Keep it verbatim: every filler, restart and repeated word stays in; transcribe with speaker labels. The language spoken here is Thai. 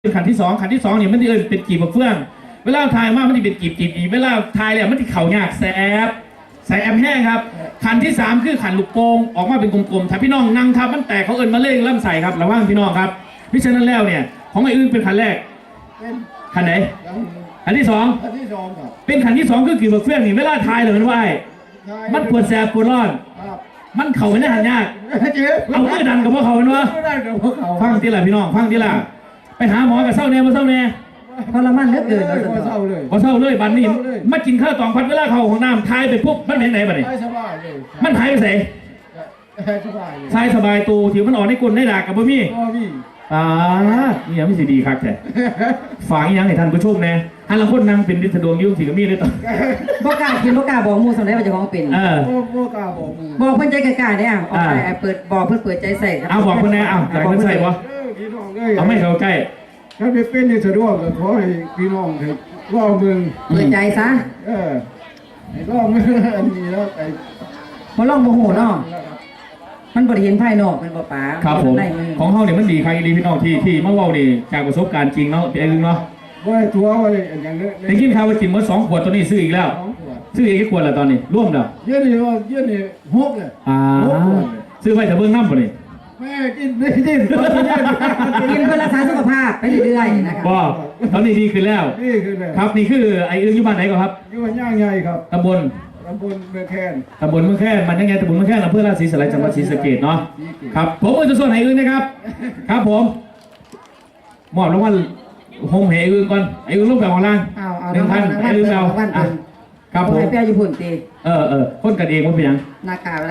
Speaker 1: เป็นขันที่สองขันที่สองเนี่ยมันจะเอินเป็นกีบเฟื่องเวลาทายมากมันจะเป็นกีบกีบอีเวลาทายแล้วมันจะเข่ายากแสบใส่แอมแห้งครับขันที่สามคือขันลูกโป่งออกมาเป็นกลมๆถ้าพี่น้องนั่งทับมันแตกเขาเอินมาเล่งล่ำใส่ครับระวังพี่น้องครับพิจารณาแล้วเนี่ยของไอ้อื่นเป็นขันแรกขันไหนขันที่สองขันที่สองครับเป็นขันที่สองคือกีบเฟื่องนี่เวลาทายเลยมันว่าไอ้มันปวดแสบปวดร้อนมันเข่าไม่ได้หันยากเอาเมื่อดันกับพวกเขาเนาะฟังทีละพี่น้องฟังทีละไปหาหมอกับเศร้าแน่มาเศร้าแน่
Speaker 2: ทรมานเหลือเกิน
Speaker 1: พอเศร้าเลยพอเศร้าเลยบัดนี้มากินข้าวตองพัดเวลาเข้าของน้ำทายไปปุ๊บมันเป็นไหนบัดนี้มันหายไปไหนทายสบายตูถือมันออกในกลนในดากกับพ่อพี่อ่านี่ยังไม่สิดีครับแต่ฝากยังให้ท่านผู้ชมแน่ฮันละคนนั่งเป็นดิษดวงยุ่งถือกับมีเลยต่อ
Speaker 2: บอกกล้ากินบอกกล้าบอกมูสำเร็จว่าจะของเป็น
Speaker 1: เออ
Speaker 2: บอกกล้าบอกบอกเพื่อนใจกล้าเนี่ยออกไปเปิดบอกเพื่อนเปิดใจใส่
Speaker 1: เอาบอกเพื่อนแน่เอาใจเพื่อนใส่ปะเอาไม่เข้าใกล้
Speaker 3: ถ้าเป็นเป็นในสะดวกก็ขอให้พี่น้องให้รอเมือง
Speaker 2: เปิดใจซะ
Speaker 3: เออให้รอเมืองอันนี้แล้วไอ้
Speaker 2: พอลองโมโหเนาะมันบริเห็นภายนอกมันบ่ป๋า
Speaker 1: ครับผมของเฮาเนี่ยมันดีใครดีพี่น้องที่ที่มาเว้านี่จากประสบการณ์จริงเนาะเป็นเองเนาะ
Speaker 3: ว่าตัวว่าอย่างนี้
Speaker 1: ได้กินข้าวไปกินเมื่อสองขวดตัวนี้ซื้ออีกแล้วซื้ออีกกี่ขวดแล้วตอนนี้ร่วมแล้ว
Speaker 3: เยอะนี่ว่าเยอะนี่หกเลย
Speaker 1: อ่าซื้อไว้แต่เบื้องน้ำป่ะนี่
Speaker 3: แม่กินไม่กิน
Speaker 2: กินเพื่อรักษาสุขภาพไปเรื่อยๆนะครับ
Speaker 1: ก็ตอนนี้ดีขึ้นแล้ว
Speaker 3: ดีขึ้นแล้ว
Speaker 1: ครับนี่คือไอ้อึ้งอยู่บ้านไหนก่อนครับ
Speaker 3: อยู่บ้านย่างใหญ่ครับ
Speaker 1: ตำบล
Speaker 3: ตำบลเมืองแคน
Speaker 1: ตำบลเมืองแคนมันยังไงตำบลเมืองแคนอำเภอราชสีสลายจังหวัดศรีสะเกษเนาะครับผมจะส่วนไอ้อึ้งนะครับครับผมมอบรางวัลโฮมไอ้อึ้งก่อนไอ้อึ้งลูกแบบของล่างหนึ่งพันไอ้อึ้งเราครับผม
Speaker 2: ให้เปียญี่ปุ่นตี
Speaker 1: เออเออคนกันเองว่าเป็นยัง
Speaker 2: นาคา